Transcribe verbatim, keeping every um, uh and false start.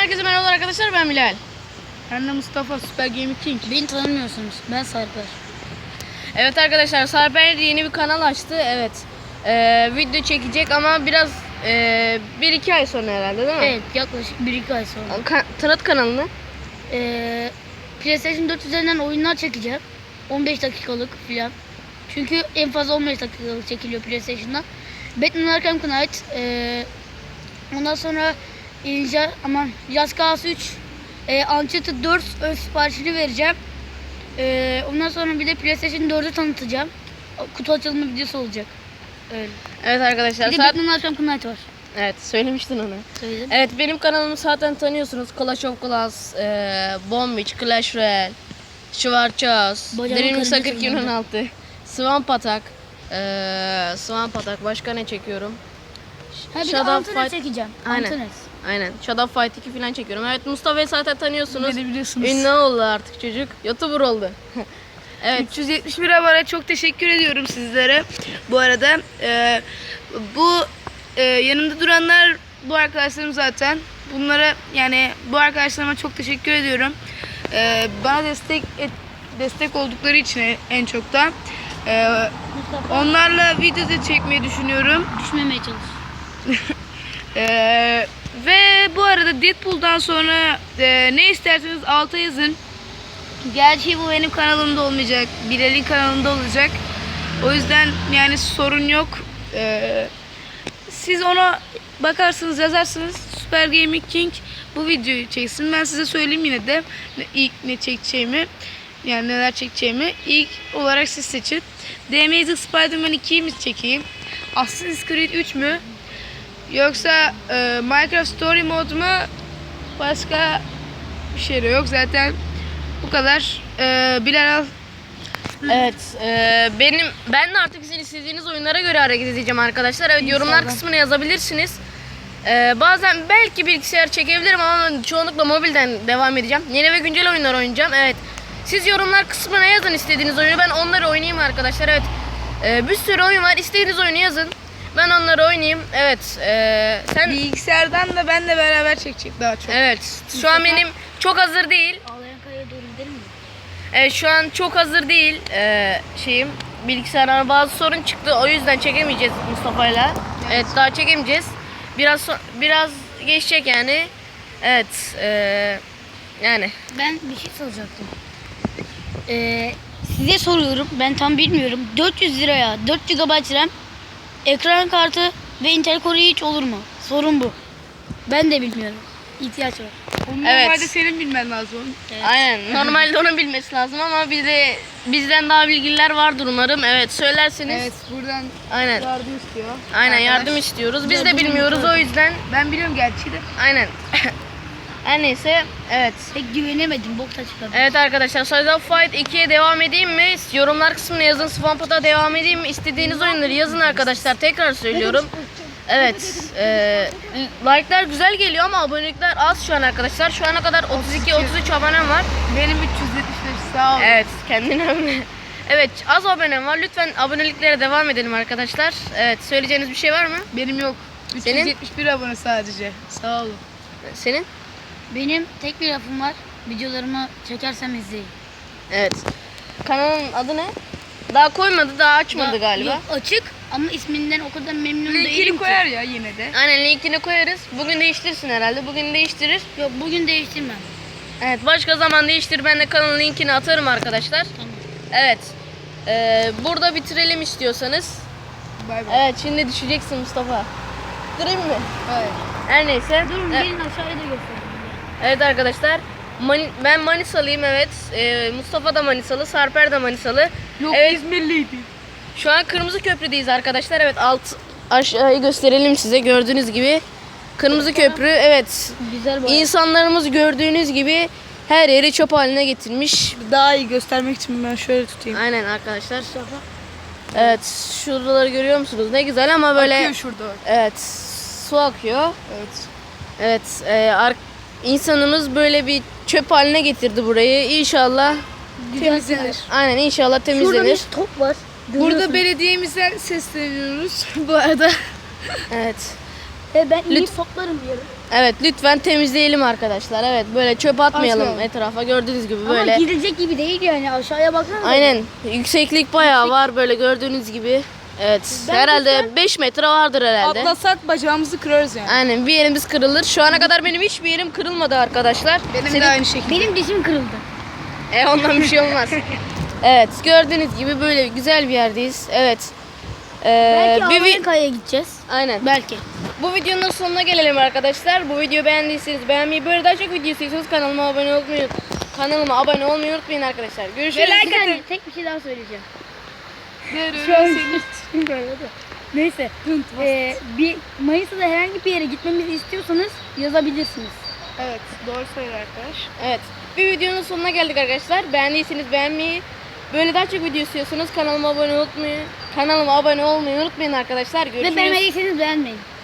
Herkese merhaba arkadaşlar, ben Bilal. Ben de Mustafa, Süper Gaming King. Beni tanımıyorsunuz. Ben Sarper. Evet arkadaşlar, Sarper yeni bir kanal açtı. Evet. Ee, video çekecek ama biraz e, bir iki ay sonra herhalde, değil mi? Evet, yaklaşık bir iki ay sonra. Ka tanıt kanalını. Ee, PlayStation dört üzerinden oyunlar çekeceğim. on beş dakikalık falan. Çünkü en fazla on beş dakikalık çekiliyor PlayStation'da. Batman Arkham Knight. Ee, ondan sonra İnca, aman Just Cause üç. E, Uncharted dört ön siparişini vereceğim. Ee, ondan sonra bir de PlayStation dördü tanıtacağım. Kutu açılımı videosu olacak. Öyle. Evet arkadaşlar. Bir de saat... Batman Arkham Knight var. Evet, söylemiştin onu. Söyledim. Evet, benim kanalımı zaten tanıyorsunuz. Clash of Clans, e, Bomb Beach, Clash Royale, Schwarzschild, Bacağımın Dream karıncası kırk iki on altı, Swamp Attack, e, Swamp Attack. Başka ne çekiyorum? Ha, bir de Shadow Antanes Fight- çekeceğim. Aynen. Antanes. Aynen. Shadow Fight iki falan çekiyorum. Evet, Mustafa'yı zaten tanıyorsunuz. Ne de biliyorsunuz. Ünlü oldu artık çocuk. YouTuber oldu. Evet. üç yüz yetmiş bir abone, çok teşekkür ediyorum sizlere. Bu arada e, bu e, yanımda duranlar bu arkadaşlarım zaten. Bunlara, yani bu arkadaşlarıma çok teşekkür ediyorum. E, bana destek et, destek oldukları için en çok da. E, Mustafa, onlarla video da çekmeyi düşünüyorum. düşmemeye çalış. Ee, ve bu arada Deadpool'dan sonra e, ne isterseniz alta yazın. Gerçi bu benim kanalımda olmayacak. Bilal'in kanalında olacak. O yüzden yani sorun yok. Ee, siz ona bakarsınız, yazarsınız. Süper Gaming King bu videoyu çeksin. Ben size söyleyeyim yine de ne- ilk ne çekeceğimi. Yani neler çekeceğimi. İlk olarak siz seçin. The Amazing Spider-Man ikiyi mi çekeyim? Assassin's Creed üç mü? Yoksa e, Minecraft Story Mode mu? Başka bir şey de yok zaten. Bu kadar. E, Bilal al. Evet. e, benim ben de artık sizin istediğiniz oyunlara göre hareket edeceğim arkadaşlar. Evet, yorumlar İnşallah. kısmına yazabilirsiniz. E, bazen belki bilgisayar çekebilirim ama çoğunlukla mobilden devam edeceğim. Yeni ve güncel oyunlar oynayacağım. Evet. Siz yorumlar kısmına yazın istediğiniz oyunu. Ben onları oynayayım arkadaşlar. Evet. E, bir sürü oyun var. İstediğiniz oyunu yazın. Ben onları oynayayım. Evet. E, sen Bilgisayardan da benle beraber çekecek daha çok. Evet. Şu an benim çok hazır değil. Ağlayan kayaya doğru gidelim mi? Evet, şu an çok hazır değil e, şeyim. Bilgisayardan bazı sorun çıktı. O yüzden çekemeyeceğiz Mustafa'yla. Evet, daha çekemeyeceğiz. Biraz so- biraz geçecek yani. Evet. e, yani. Ben bir şey soracaktım. Ee, size soruyorum. Ben tam bilmiyorum. dört yüz liraya dört gigabayt RAM, ekran kartı ve Intel Core i üç olur mu? Sorun bu. Ben de bilmiyorum. İhtiyaç var. Onu Evet. normalde senin bilmen lazım. Evet. Aynen. Normalde onun bilmesi lazım ama bize bizden daha bilgililer vardır umarım. Evet, söylerseniz. Evet, buradan Aynen. yardım istiyor. Aynen, Arkadaş. yardım istiyoruz. Biz de Yardım bilmiyoruz, o yüzden. Ben biliyorum gerçi de. Aynen. Her neyse. Evet. Pek güvenemedim. Bokta çıkardım. Evet arkadaşlar, Shadow Fight ikiye devam edeyim mi? Yorumlar kısmına yazın. Swamp Attack'a devam edeyim mi? İstediğiniz oyunları yazın arkadaşlar. Tekrar söylüyorum. Evet. E, like'lar güzel geliyor ama abonelikler az şu an arkadaşlar. Şu ana kadar otuz iki otuz üç abonem var. Benim üç yüz yetmiş beş, sağ ol. Evet, kendine öyle. Evet, az abonem var. Lütfen aboneliklere devam edelim arkadaşlar. Evet, söyleyeceğiniz bir şey var mı? Benim yok. Senin? üç yüz yetmiş bir abone sadece. Sağ olun. Senin? Benim tek bir lafım var. Videolarımı çekersem izleyin. Evet. Kanalın adı ne? Daha koymadı, daha açmadı Ya- galiba. Yok, açık ama isminden o kadar memnun değilim Linkini ki. koyar ya yine de. Aynen, linkini koyarız. Bugün değiştirsin herhalde. Bugün değiştirir. Yok, bugün değiştirmem. Evet, başka zaman değiştir. Ben de kanalın linkini atarım arkadaşlar. Tamam. Evet. Ee, burada bitirelim istiyorsanız. Bay bay. Evet, şimdi düşeceksin Mustafa. Durayım mı? Hayır. Her neyse. Durun, Evet, gelin aşağıya da göstereyim. evet arkadaşlar. Mani- ben Manisalıyım, evet. Ee, Mustafa da Manisalı, Sarper de Manisalı. Yok, Evet. İzmirliydi. Şu an Kırmızı Köprü'deyiz arkadaşlar. Evet, alt aşağıyı gösterelim size. Gördüğünüz gibi Kırmızı Köprü. Evet. Güzel bu. İnsanlarımız gördüğünüz gibi her yeri çöp haline getirmiş. Daha iyi göstermek için ben şöyle tutayım. Aynen arkadaşlar. Evet, şuraları görüyor musunuz? Ne güzel ama böyle Akıyor şurada. evet, su akıyor. Evet. Evet, e, ar- insanımız böyle bir çöp haline getirdi burayı. İnşallah Temizlenir. aynen inşallah Şurada temizlenir. bir top var. Burada Görüyorsunuz. belediyemize sesleniyoruz bu arada. Evet. Ve ben iyi Lütfen- toplarım diyorum. Evet lütfen temizleyelim arkadaşlar. Evet böyle çöp atmayalım Atmayalım. etrafa. Gördüğünüz gibi Ama böyle. gidilecek gibi değil yani aşağıya baksana. Aynen. Yükseklik bayağı var böyle gördüğünüz gibi. Evet. Ben herhalde beş metre vardır herhalde. Atlasak bacağımızı kırarız yani. Aynen bir yerimiz kırılır. Şu ana kadar benim hiçbir yerim kırılmadı arkadaşlar. Benim Senin- de aynı şekilde. Benim dişim kırıldı. E ondan bir şey olmaz. Evet gördüğünüz gibi böyle güzel bir yerdeyiz. Evet. Ee, Belki bir vi- Amerika'ya gideceğiz. Aynen. Belki. Bu videonun sonuna gelelim arkadaşlar. Bu videoyu beğendiyseniz beğenmeyi, böyle daha çok video istiyorsanız kanalıma abone olmayı kanalıma abone olmayı unutmayın arkadaşlar. Görüşürüz. Bir saniye tek bir şey daha söyleyeceğim. Şu Şu an Neyse. Ee, bir Mayıs'ta da herhangi bir yere gitmemizi istiyorsanız yazabilirsiniz. Evet, doğru söylüyor arkadaş. Evet. Bir videonun sonuna geldik arkadaşlar. Beğendiyseniz beğenmeyi, böyle daha çok video istiyorsanız kanalıma abone olmayı, kanalıma abone olmayı unutmayın arkadaşlar. Görüşürüz. Ve beğenmediyseniz beğenmeyin.